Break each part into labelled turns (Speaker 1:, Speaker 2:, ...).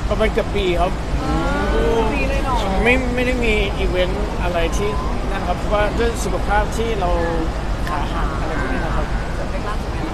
Speaker 1: ประมาณเกือบปีครับ
Speaker 2: ปีเลยเนาะ
Speaker 1: ไม่ได้มีอีเวนต์อะไรที่นั่นครับเพราะว่าด้วยสุขภาพที่เราขาหักอะไรพวกนี้นะครับ
Speaker 2: เล็กล่าสุดเนี่ย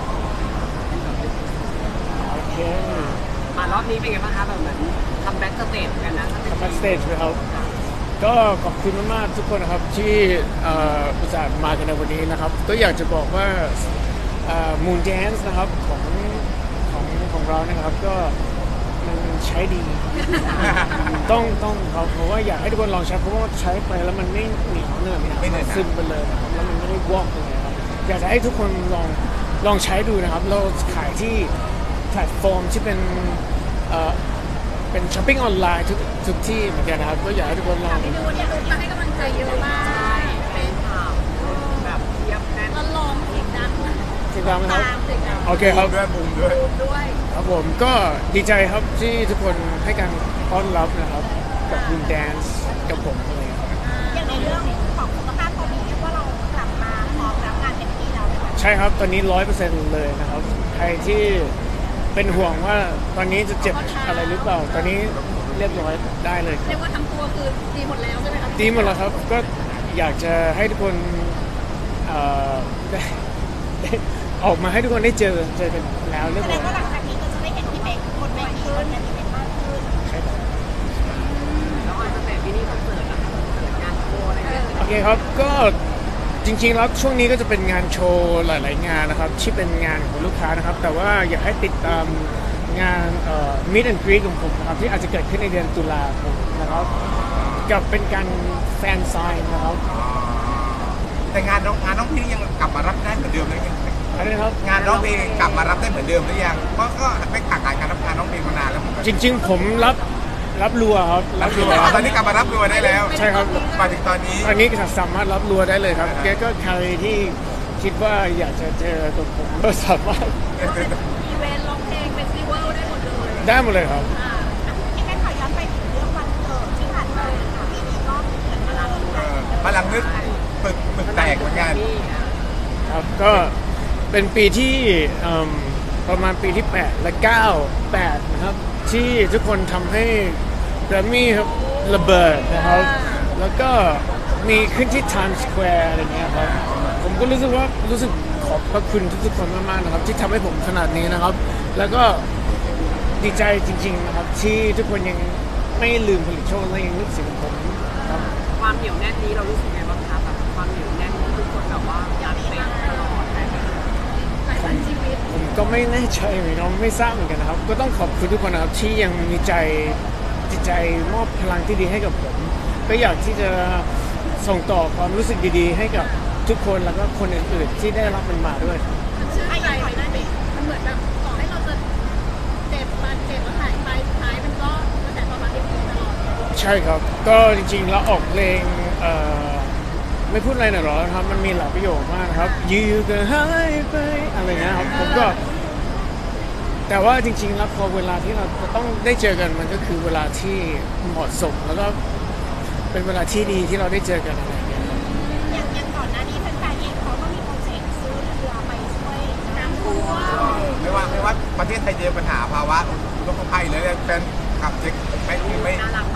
Speaker 1: โอเค
Speaker 2: มารอบนี้เป็นไงบ้างคะแบบเหมือนคัมแบ็กสเตจกันนะ
Speaker 1: ทำบัสสเตจไปครับก็ขอบคุณมากๆทุกคนนะครับที่อุตส่าห์มากันในวันนี้นะครับก็อยากจะบอกว่าMoon Dance นะครับของเรานะครับก็มันใช้ดี ต้องครับเพราะว่าอยากให้ทุกคนลองใช้เพราะว่าใช้ไปแล้วมันไม่เหนียวเนอะมันซึมไปเลยนะครับแล้วมันไม่ได้วอกเลยครับอยากจะให้ทุกคนลองใช้ดูนะครับเราขายที่แพลตฟอร์มที่เป็นช้อปปิ้งออนไลน์ทุกที่เหมือนกันนะครับก็อยากให้ทุกคนลอง
Speaker 3: ไปดูเนี่ยมาให้กำลังใจเยอะมาก
Speaker 2: ใช่เป็นข่าวแบบเทียบแน่น
Speaker 3: แล้วลองเสียงดัง
Speaker 1: ติดตามนะครับ
Speaker 3: ตามเสียงดัง
Speaker 1: โอเคครับ
Speaker 4: ด้วยมุมด้วย
Speaker 3: ด้วย
Speaker 1: ครับผมก็ดีใจครับที่ทุกคนให้การต้อนรับนะครับกับMoon Dance กับผมอะไรครับ
Speaker 3: อย่างในเรื่องของสุขภาพตอนนี้เรียกว่าเรากลับมาพร้อมรับงานเต็มที่แล้วนะคะ
Speaker 1: ใช่ครับตอนนี้ 100% เลยนะครับใครที่เป็นห่วงว่าตอนนี้จะเจ็บอะไรหรือเปล่าตอนนี้เรียบร้อยได้เลยค
Speaker 3: เรี
Speaker 1: รั
Speaker 3: ย
Speaker 1: บ
Speaker 3: กว่าทั้งตัวคือดีหมดแล้วใช่ไหมคะ
Speaker 1: ดีหมดแล้วครับก็อยากจะให้ทุกคนได้ออกมาให้ทุกคนได้เจอกันแล้วเรียบ
Speaker 3: แสด
Speaker 1: ร้อง ย
Speaker 3: ว่าหลังจากนี้ก็จะได้เห็นพี่เป๊กบนเวทีบนงานอีเวนต์มากขึ้น
Speaker 1: ใช่ครับ
Speaker 2: แล้วออนสเตจมินิคอนเสิร์ตนะคะคอนเสิร์ตงานโชว์อะไรเงี้ย
Speaker 1: โอเคครับก็จริงๆแล้วช่วงนี้ก็จะเป็นงานโชว์หลายๆงานนะครับที่เป็นงานของลูกค้านะครับแต่ว่าอยากให้ติดตามงานMeet and Greet ของผมนะครับที่อาจจะเกิดขึ้นในเดือนตุลาคมนะครับกับเป็นการแฟนไซน์นะครับ
Speaker 4: แต่งานน้องพี่ยังกลับมารับได้เหมือนเดิมหรือยัง
Speaker 1: อะไรนะครับ
Speaker 4: งานน้องเพลงกลับมารับได้เหมือนเดิมหรือยังเพราะก็ไม่ขาดการรับงานน้องเพลงมานานแล้ว
Speaker 1: จริงๆผมรับรัวครับ
Speaker 4: รับรัวตอนนี้กลับมารับรัวได้แล้ว
Speaker 1: ใช่ครับ
Speaker 4: มาถึงตอนนี้
Speaker 1: ตอนนี้สามารถรับรัวได้เลยครับแกก็ใครที่คิดว่าอยากจะเจอตัวผมก็สามารถ
Speaker 3: อีเวนต์ร้องเพลงเฟสติวัลได้หมดเลย
Speaker 1: ได้หมดเลยครับ
Speaker 3: ที่แม่ขอย้อนไปถึงเรื่องวันเกิดที่ผ่านมาค่ะปีนี้ก็เหมือนมารับ
Speaker 4: พลังนึกปึกแตกเหมือนกัน
Speaker 1: ครับก็เป็นปีที่ประมาณปีที่ 8 และ 8 นะครับที่ทุกคนทำให้แกรมมี่ครับระเบิดนะครับ แล้วก็มีขึ้นที่ Times Square อะไรเงี้ยครับผมก็รู้สึกขอบพระคุณทุกๆคนมากๆนะครับที่ทำให้ผมขนาดนี้นะครับ แล้วก็ดีใจจริงๆนะครับที่ทุกคนยังไม่ลืมผลิตโชคและยังนึกถึงผมครับ
Speaker 2: ความเหนียวแน่นนี้เรารู้สึกไงบ้างคะแบบความเหนียวแน่นที่ทุกคนแบบว่าอยากเป็นตลอดอะไรแบบนี้
Speaker 3: หลายวันชีวิต
Speaker 1: ผมก็ไม่แน่ใจเหมือนกันไม่ทราบเหมือนกันนะครับ ก็ต้องขอบคุณทุกคนนะครับที่ยังมีจิตใจมอบพลังที่ดีให้กับผม ก็อยากที่จะส่งต่อความรู้สึกดีๆ ให้กับทุกคนแล้วก็คนอื่นๆที่ได้รับมันมาด้วยครับ
Speaker 3: มันชื่นใจได้ไหมมันเหมือนแบบต่อให้เราจะเจ็บบาดเจ็บแล้วหายไปสุดท้ายมันก็กระแสตอบรับยังดีตลอด
Speaker 1: ใช่ครับ ก็จริงๆแล้วออกเพลงไม่พูดอะไรหน่อยหรอครับ มันมีหลายประโยคมากนะครับอยู่ก็หายไปอะไรเงี้ยครับผมก็ แต่ว่าจริงๆแล้วพอเวลาที่เราจะต้องได้เจอกันมันก็คือเวลาที่เหมาะสมแล้วก็เป็นเวลาที่ดีที่เราได้เจอกันอะไรอย่างเงี้ยครับ
Speaker 3: อย่างก่อนหน้านี้แฟนๆเองเขาก็มีโปรเจกต์ซื้อเรือไปช่วยน้ำท่วม
Speaker 4: ไม่ว่าประเทศไทยเจอปัญหาภาวะอุทกภัยเลยแฟนขับเจ๊กไม่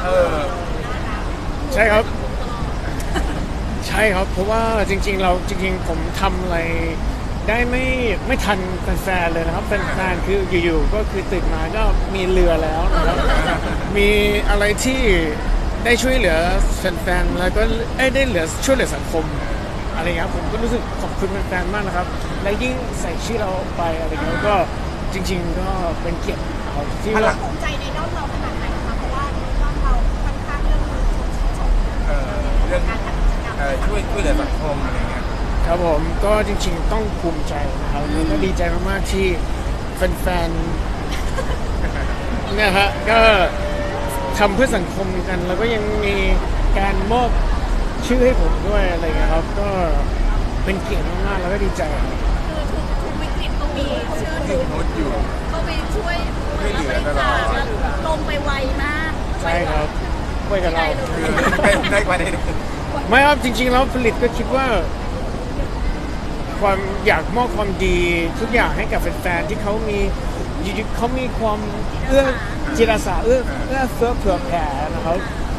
Speaker 1: ใช่ครับ ใช่ครับ เพราะว่าจริงๆผมทำอะไรได้ไม่ทันแฟนๆเลยนะครับแฟนๆคืออยู่ๆก็คือตื่นมาก็มีเรือแล้วนะครับ มีอะไรที่ได้ช่วยเหลือแฟนๆแล้วก็ได้ช่วยเหลือสังคมอะไรเงี้ยครับผมก็รู้สึกขอบคุณแฟนๆมากนะครับ และยิ่งใส่ชื่อเราไปอะไรเงี้ยก็จริงๆก็เป็นเกียรติครับที่ว่า
Speaker 3: ภูมิใจในด้อมเราขนาดไหนคะเพราะว่าด้อมเราค่อนข้างเรื่องมือชม
Speaker 4: เรื่อง
Speaker 3: การทำกิจกรรม
Speaker 4: ช่วยเหลือสังคมอะไรเงี้ย
Speaker 1: ครับผมก็จริงๆต้องภูมิใจนะครับแล้วก็ดีใจมากๆที่แฟนๆเนี่ยฮะก็ทำเพื่อสังคมกัน แล้วก็ยังมีการมอบชื่อให้ผมด้วยอะไรเงี้ยครับก็เป็นเกียรติมากๆแล้วก็ดีใจครับ
Speaker 3: คือทุกวิกฤตก็มีชื่อ
Speaker 4: ที่
Speaker 3: ทุก
Speaker 4: โพสต์อยู่
Speaker 3: ก็ไปช่วย
Speaker 4: ช่วยเหลือตลอด
Speaker 3: ลงไปไวมาก
Speaker 1: ใช่ครับไว้กับเรา
Speaker 4: ได้กว่าได้
Speaker 1: ไม่ครับจริงๆแล้วผลิตก็คิดว่า ความอยากมอบความดีทุกอย่างให้กับแฟนๆที่เขามีอยู่ๆเขามีความเอื้อจิตอาสาเอื้อเฟื้อเผื่อแผ่นะครับ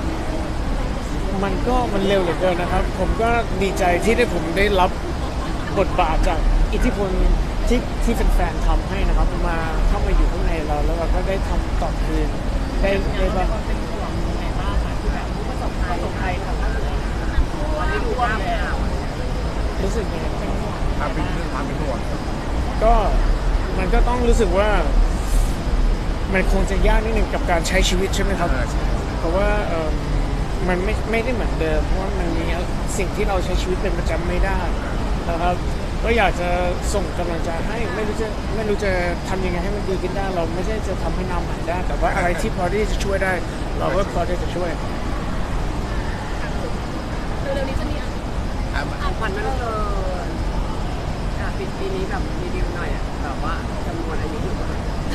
Speaker 1: มันเร็วเหลือเกินนะครับ ผมก็ดีใจที่ผมได้รับบทบาทจากอิทธิพลที่แฟนๆทำให้นะครับมาเข้ามาอยู่ข้างในเราแล้วเราก็ได้ทำตอบคืนได้บ้าง
Speaker 2: เป็นห่วงยังไงบ้างคะที่แบบผู้ประสบภัยทางด้านนี้วันนี้ดูว่าข่าว
Speaker 1: รู้สึกยังไงบ้าง
Speaker 4: เป็นเรื่องความเป็นห่วง
Speaker 1: ก็มันก็ต้องรู้สึกว่ามันคงจะยากนิดหนึ่งกับการใช้ชีวิตใช่ไหมครับ เพราะว่ามันไม่ได้เหมือนเดิมเพราะว่ามันมีสิ่งที่เราใช้ชีวิตเป็นประจำไม่ได้นะครับก็อยากจะส่งกำลังใจให้ไม่รู้จะทำยังไงให้มันดีขึ้นได้เราไม่ใช่จะทำให้น้ำหายได้แต่ว่าอะไรที่พอที่จะช่วยได้ เราก็พอที่จะช่วย
Speaker 3: เร็วๆนี้จะมี
Speaker 2: ของขวัญมันเกิดปีนี้แบบรีวิวหน่อยอ่ะแบบว่าจำนวนอายุอยู่เท่าไหร่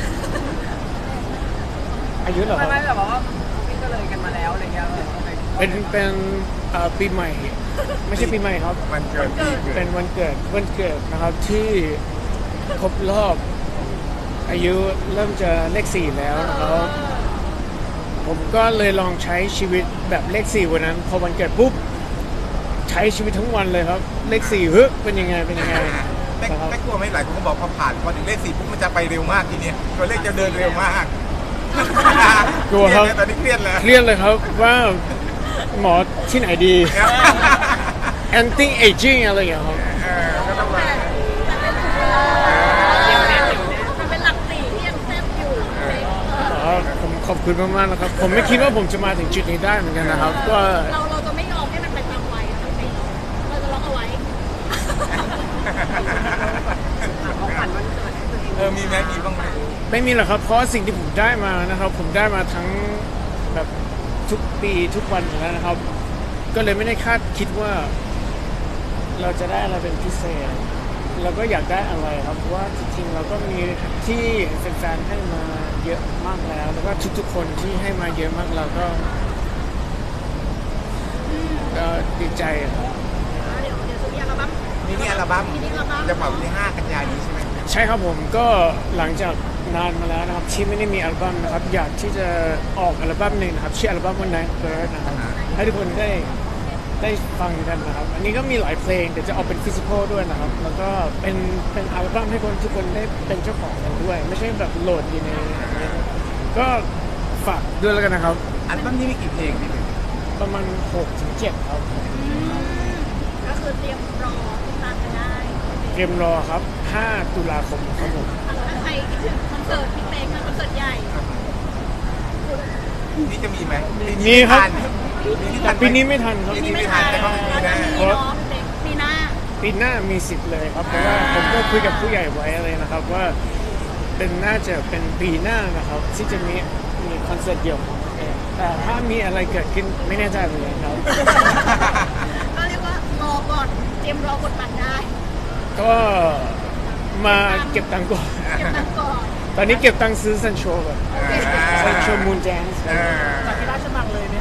Speaker 1: อายุเหรอครับ
Speaker 2: ไม่แบบว่าพี่ก็เลยกันมาแล้วอะไรเงี้ย
Speaker 1: เป็นปีใหม่ ไม่ใช่ปีใหม่ครับ
Speaker 4: มันเกิดที่เกิ
Speaker 1: เป็
Speaker 4: ด
Speaker 1: นวันเกิดนะครับที่ครบรอบอายุเริ่มจะเลข4แล้วนะครับผมก็เลยลองใช้ชีวิตแบบเลข4วันนั้นพอวันเกิดปุ๊บใช้ชีวิตทั้งวันเลยครับเลข4เฮ้ยเป็นยังไงนะครับ
Speaker 4: ไม่กลัวไหมหลายคนก็บอกพอผ่านพอถึงเลข 4ปุ๊บมันจะไปเร็วมากทีเนี้ยตัวเลขจะเดินเร็วมาก
Speaker 1: กลัวครับ
Speaker 4: ตอนนี้เครียดแล้ว
Speaker 1: เครียดเลยครับว่าหมอที่ไหนดี anti aging อะไรอย่างเงี้ยครับ
Speaker 4: ก็ต้องมา
Speaker 3: มันเป็นหลักสี่ที่ยังแซ่บอยู่
Speaker 1: ผมขอบคุณมากๆนะครับ ผมไม่คิดว่าผมจะมาถึงจุดนี้ได้เหมือนกันนะครับ ก็
Speaker 3: เราจะไม่ยอมให้มันเป็นตามวัยนะเราจะล็อกเอาไว้
Speaker 2: ของขวัญวันเกิดให้ตัวเอง
Speaker 4: มีไหมมีบ้างไหม
Speaker 1: ไม่มีหรอกครับ เพราะสิ่งที่ผมได้มานะครับ ผมได้มาทั้งแบบทุกปีทุกวันอยู่แล้วนะครับ ก็เลยไม่ได้คาดคิดว่า เราจะได้อะไรเป็นพิเศษ เราก็อยากได้อะไรครับเพราะว่าจริงๆเราก็มีที่แฟนๆให้มาเยอะมากแล้ว แล้วก็ทุกๆคนที่ให้มาเยอะมากเราก็ดีใจครับ
Speaker 3: เดี๋ยวจะมีอัลบั้ม
Speaker 4: นี่อัลบั้ม
Speaker 3: มินิอัลบั้ม
Speaker 4: จะเป่าที่5 กันยายนนี้ใช่ไหม
Speaker 1: ใช่ครับผมก็หลังจากนานมาแล้วนะครับที่ไม่ได้มีอัลบั้มนะครับอยากที่จะออกอัลบั้มหนึ่งนะครับชื่ออัลบั้มว่า Night Bird นะครับให้ทุกคนได้ฟังกันนะครับ อันนี้ก็มีหลายเพลงเดี๋ยวจะออกเป็นฟิสิกอลด้วยนะครับ แล้วก็เป็นอัลบั้มให้ทุกคนได้เป็นเจ้าของกันด้วย ไม่ใช่แบบโหลดอยู่ในก็ฝากด้วยแล้วกันนะครับ
Speaker 4: อัลบั้มนี้มีกี่เพลงพี่เป็น
Speaker 1: ประมาณ 6-7 ครับ
Speaker 3: ก็คือเตรียมรอติดตามกันได้
Speaker 1: เตรียมรอครับ 5 ตุลาคมครับผม
Speaker 3: ถ้าใครคิดถึงคอนเสิร์ตพี่เป๊กนะคอนเสิร์ตใหญ่
Speaker 4: นี่จะมีไหม
Speaker 1: มีครับ
Speaker 4: ทั
Speaker 1: แต่ปีนี้ไม่ทันครับ
Speaker 4: ปีนี้ไม่ทันแต่ก็มี
Speaker 3: แล้ว
Speaker 4: แน่
Speaker 3: จะมีเนาะพี่เป๊กปีหน้า
Speaker 1: ปีหน้ามีสิทธิ์เลยครับเพราะว่าผมก็คุยกับผู้ใหญ่ไว้เลยนะครับว่าน่าจะเป็นปีหน้านะครับที่จะมีคอนเสิร์ตเดี่ยวของตัวเองแต่ถ้ามีอะไรเกิดขึ้นไม่แน่ใจเหมือนกันครับ
Speaker 3: ก็เรียกว่ารอก่อนเตรียมรอกดบัตรได้
Speaker 1: ก็มาเก็บตังค์ก่อน
Speaker 3: เก็บตังค์ก่อน
Speaker 1: ตอนนี้เก็บตังค์ซื้อซันโชก่อนซันโชมูนแจนส์
Speaker 2: จากที่ราชมังเลยเนี่ย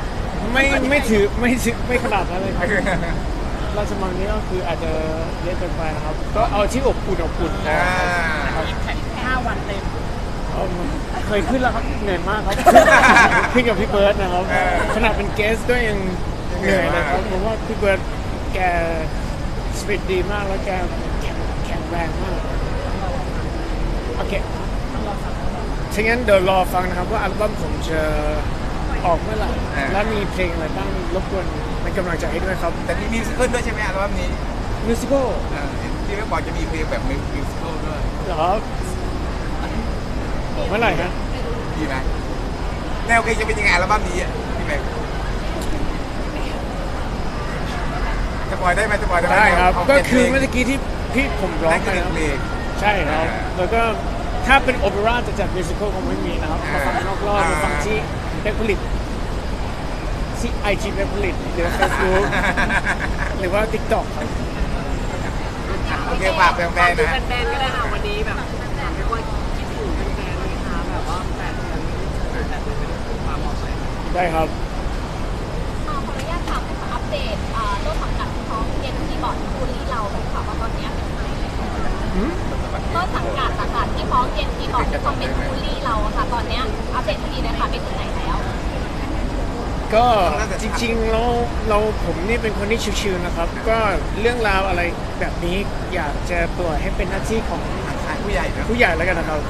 Speaker 1: ไม่ขนาดนั้นเลยครับราชมังนี้ก็คืออาจจะเยอะเกินไปนะครับ ก็เอาที่อบอุ่นนะครับ
Speaker 2: แข่ง5 วันเต็ม
Speaker 1: เคยขึ้นแล้วครับเหนื่อยมากครับ ขึ้นกับพี่เบิร์ดนะครับขนาดเป็นเกสก็ยังเหนื่อยเลยครับผมว่าพี่เบิร์ดแกสปีดดีมากแล้วแกแข็งแรงมากโอเคถ้างั้นเดี๋ยวรอฟังนะครับว่าอัลบั้มผมจะออกเมื่อไหร่และมีเพลงอะไรบ้างรบกวนเป็นกำลังใจให้ด้วยครับ
Speaker 4: แต่มีมิวสิคลด้วยใช่ไหมอัลบั้มนี้
Speaker 1: มิวสิคล
Speaker 4: ที่เขาบอกจะมีเพลงแบบมิวสิคลด้วย
Speaker 1: เหรอครับเมื่อไหร่ฮะ
Speaker 4: ดีไหมแนวเพลงจะเป็นยังไงอัลบั้มนี้พี่แม็กจะปล่อยได้ไหมจะปล่อยได้ไหม
Speaker 1: ได้ครับ
Speaker 4: า
Speaker 1: ก็
Speaker 4: เจ็ด
Speaker 1: คือ
Speaker 4: เพลง
Speaker 1: เมื่อกี้ที่พี่ผมร้อง
Speaker 4: นั่น
Speaker 1: ไป
Speaker 4: คือ
Speaker 1: นะ
Speaker 4: เพลง
Speaker 1: ใช่ครับ แล้วก็ถ้าเป็นโอเปร่าจะจัดมิวสิควลคงไม่มีนะครับ มาฟังนอกรอบมาฟังที่เว็บผลิตที่ IG เว็บผลิตหรือ Facebook หรือว่า TikTok ครับ
Speaker 4: โอเคฝากแฟนๆนะ
Speaker 2: แฟนๆก็ได้ค่ะวันนี้แบบเรียกว่าคิดถึงแฟนๆเลยค่ะแบบว่า8 เดือน8 เดือนไม่ได้พูดความบอกเลย
Speaker 1: ได้ครับ
Speaker 3: ขออนุญาตถามนะคะอัปเดตต้นสังกัดของเจนคีย์บอร์ดคูลี่เราเลยค่ะว่าตอนนี้เป็นยังไงต้นสังกัดต่างๆที่ฟ้องเจนจีบอกที่คอมเมนต์บูลลี่เราอะค่ะตอนเนี้ยอัปเดตคดีหนะคะไปถึงไหนแล้ว
Speaker 1: ก็จริงๆเราผมนี่เป็นคนที่ชิวๆนะครับ ก็เรื่องราวอะไรแบบนี้อยากจะปล่อยให้เป็นหน้าที่ของ
Speaker 4: ทางผู้ใหญ่นะ
Speaker 1: ผู้ใหญ่แล้วกันนะครับ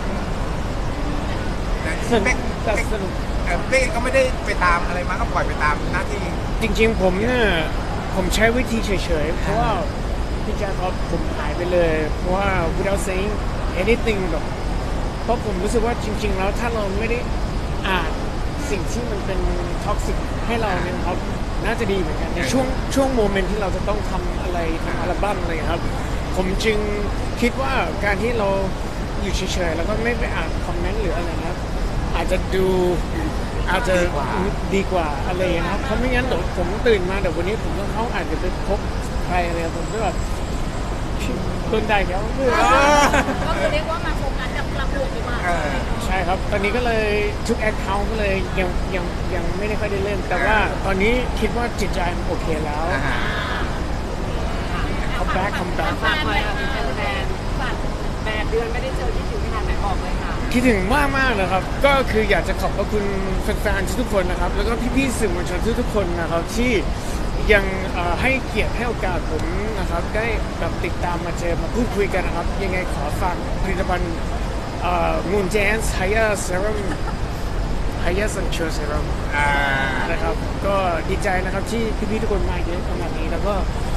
Speaker 4: แต่เป๊ก
Speaker 1: แต่สรุป
Speaker 4: เป๊กก็ไม่ได้ไปตามอะไรมาก็ปล่อยไปตามหน้าที่
Speaker 1: จริงๆผมเนี่ยผมใช้วิธีเฉยๆเพราะว่าพี่แจ๊คครับผมหายไปเลยเพราะว่า without saying anything แบบเพราะผมรู้สึกว่าจริงๆแล้วถ้าเราไม่ได้อ่านสิ่งที่มันเป็นท็อกซิกให้เราเนี่ยครับน่าจะดีเหมือนกันในช่วงโมเมนต์ที่เราจะต้องทำอะไรทำอัลบั้มอะไรครับ ผมจึงคิดว่าการที่เราอยู่เฉยๆแล้วก็ไม่ไปอ่านคอมเมนต์หรืออะไรนะครับอาจจะดูอาจจะดีกว่าอะไรอย่างเงี้ยครับเพราะไม่งั้นเดี๋ยวผมตื่นมาเดี๋ยววันนี้ผมต้องเข้าอาจจะไปพบใครอะไรผมก็แบบโดนได้แล้ว
Speaker 3: ก็คือเรียกว่ามาโฟกัสกับกลับบวกดีกว่า
Speaker 1: ใช่ครับ ตอนนี้ก็เลยทุกแอคเคาท์ก็เลยยังไม่ได้ค่อยได้เล่น แต่ว่าตอนนี้คิดว่าจิตใจมันโอเคแล้วคัมแบ็ค
Speaker 2: ฝากหน่อยค่ะเป็นแฟน8 เดือนไม่ได้เจอคิดถึงขนาดไหนบอกเลยค่ะ
Speaker 1: คิดถึงมากนะครับ ก็คืออยากจะขอบพระคุณแฟนๆทุกคนนะครับ แล้วก็พี่ๆสื่อมวลชนทุกคนนะครับที่ยังให้เกียรติให้โอกาสผมนะครับ ได้แบบติดตามมาเจอมาพูดคุยกันนะครับ ยังไงขอฝากผลิตภัณฑ์Moon Dance Haya Serum Haya Sunshine Serum นะครับก็ดีใจนะครับที่พี่ๆทุกคนมาเยอะขนาดนี้แล้วก็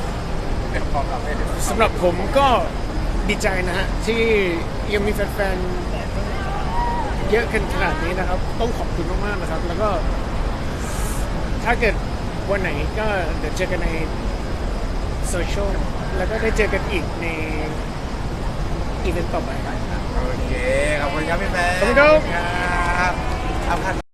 Speaker 1: สำหรับผมก็ดีใจนะฮะที่ยังมีแฟนๆเยอะกันขนาดนี้นะครับ ต้องขอบคุณมากๆนะครับ แล้วก็ถ้าเกิดวันไหนก็เดี๋ยวเจอกันในโซเชียลแล้วก็ได้เจอกันอีกในอีเวนต์ต่อไป
Speaker 4: โอเค ขอบคุณครับพี่แฟน
Speaker 1: ขอบคุณครับ
Speaker 4: ครับเอาคัน